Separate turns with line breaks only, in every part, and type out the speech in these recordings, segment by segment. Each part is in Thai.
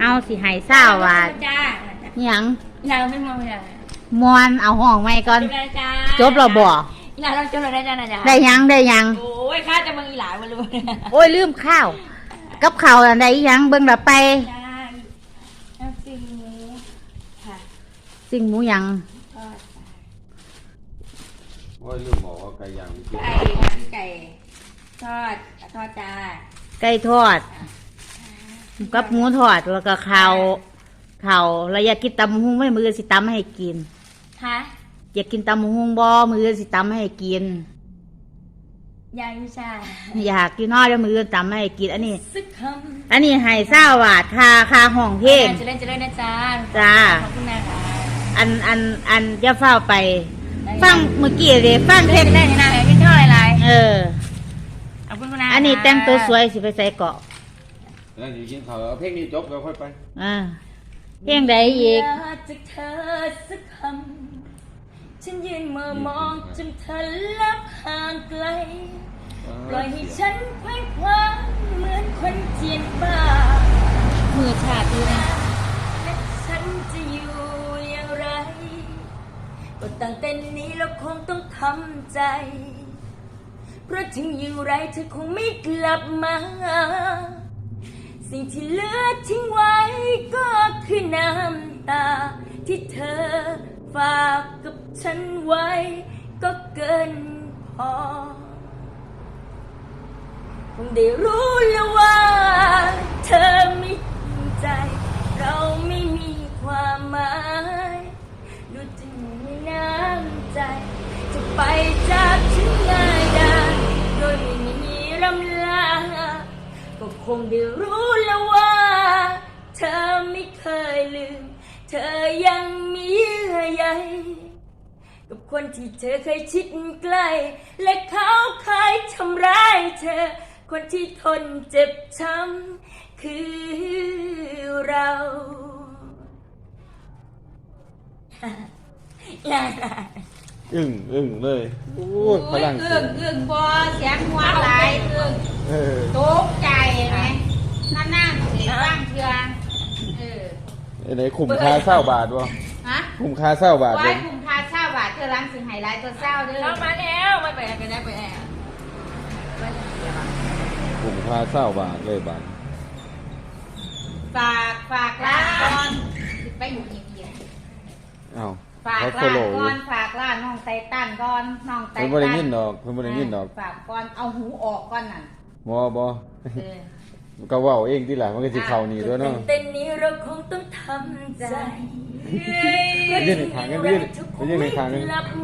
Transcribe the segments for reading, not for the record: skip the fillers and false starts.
เอาสิให้เศร้าว่าหยัง
เราไม่มองเลย
มวนเอาห้องไว้ก่อนจบแล้วบ่
อีหลาเราจบแล้วได้จ้านะจ๊ะ
ได้ยัง
โอ้ยข้าจะมึงอีหลามารู้
โอ้ยลืมข้าวกับข้าวอันใดยังเบิ่งละไป
จ้าน้ำจิ้มหมูค่ะ
สิ่งหมูยัง
ว่าลืมบอกว่าไก่ย่าง
ไก่ทอดจ้า
ไก่ทอดกับหมูทอดแล้วก็ข้าวแล้วอยากกินตำหุ้งไม่มือสิตำให้กิน
ค่ะ
อยากกินตำหุ้งบ่มือสิตำให้กิน
ยายวิชา
อยากกินน้อยแล้วมือตำให้กินอันนี้ให้20 บาทค่าห้องเพลง
จะเล่นนะจ้า
จ้า
ขอบคุณนะคะ
อันจะเฝ้าไปฟังเมื่อกี้เลยฟังเพลง
ได้ยังไงไม่ชอบอะไรขอบคุณนะ
อันนี้แต่งตัวสวยสิไปใส่เกาะ
แล้วอยู่กินข้าวเอาเพลงนี้จบแล้วค่อยไป
เพลงใดอีก
จากเธอสักคำฉันยืนมองจนเธอลับห่างไกลปล่อยให้ฉันเคว้งคว้างเหมือนคนเจียนบ้ามือชาดีนะและฉันจะอยู่อย่างไรก็ตั้งแต่นี้เราคงต้องทำใจเพราะถึงอย่างไรเธอคงไม่กลับมาสิ่งที่เหลือทิ้งไว้ก็คือน้ำตาที่เธอฝากกับฉันไว้ก็เกินพอคงได้รู้แล้วว่าเธอไม่จริงใจเราไม่มีความหมายดูจะมีน้ำใจจะไปจากฉันง่ายดายโดยไม่มีรำลาก็คงได้รู้แล้วว่าเธอไม่เคยลืมเธอยังมีเยื่อใยกับคนที่เธอเคยชิดใกล้และเขาเคยทำร้ายเธอคนที่ทนเจ็บช้ำคือเราอย่างไร
อึ้งเลยโอ้ยพลัง
อึ้งพอเสียงหัวไหลตกใจไหมนั่งเสียงบ้างเชื่อ
ไหนคุ้มค่า20 บาทวะคุ้มค่า20 บาทเลย
คุ้มค่า20 บาทเธอร้านสิไฮไลท์ตัวเศร้าเด้อ
เรามาแล้วไม่ไปกันได้ไปแอบ
คุ้มค่า20 บาทเลยบาท
ฝากร้านก่อนไปอยู่อีกฝากร้านก่อนฝากร้านน้องไตตันก่อนน้องไตตัน
เพิ่นบ่ได้ยินดอก
ฝากก่อนเอาหูออกก่อนน่ะ
บ่ก็เว้าเองที่หลังมันก็สิเข้านี่ด้วยเนาะ
เต้นนี้เราคงต้องทำใจ
ยืนในทางกันยืนในทางกัน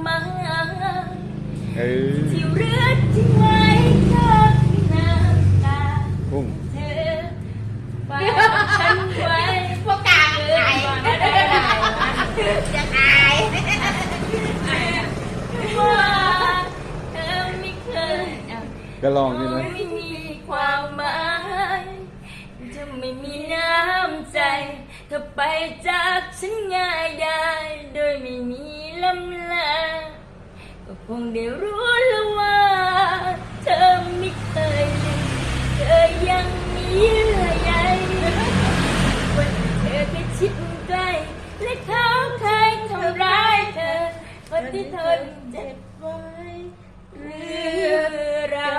ที่เรือทิ้งไว้ก็คือน้ำตาเธอฝากฉันไว้
พวกกลางอายจะอาย
ว่าเธอไม่เคย
ก็ลองนี่นะ
ไม่มีความหมายจะไม่มีน้ำใจเธอไปจากฉันง่ายได้โดยไม่มีลำลาก็คงได้รู้แล้วว่าเธอไม่เคยลืมเธอยังมีเยื่อใยวันเธอเคยชิดใกล้และเขาเคยทำร้ายเธอคนที่ทนเจ็บไว้เรือเรา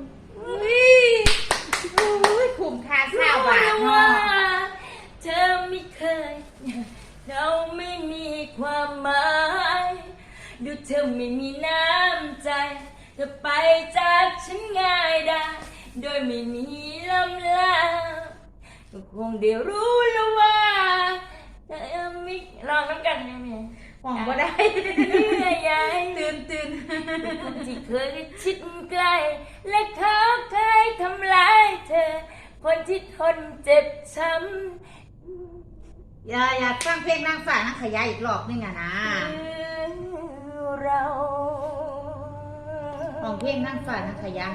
คุ้มค่า20 บาทเนาะ
เธอไม่เคยเราไม่มีความหมายดูเธอไม่มีน้ำใจเธอไปจากฉันง่ายได้โดยไม่มีลำลาก็คงได้รู้แล้วว่าเธอไม่ลองน้ำกันได้ไหม
หวังว่าได้
เยื่อใยตื่นคนที่เคยชิดใกล้และเขาเคยทำร้ายเธอคนที่ทนเจ็บช้ำ
อยากฟังเพลงนางฟ้านางขยายอีกรอบนึงอะนะ
เรา
ของเพลงนางฟ้านางขยาย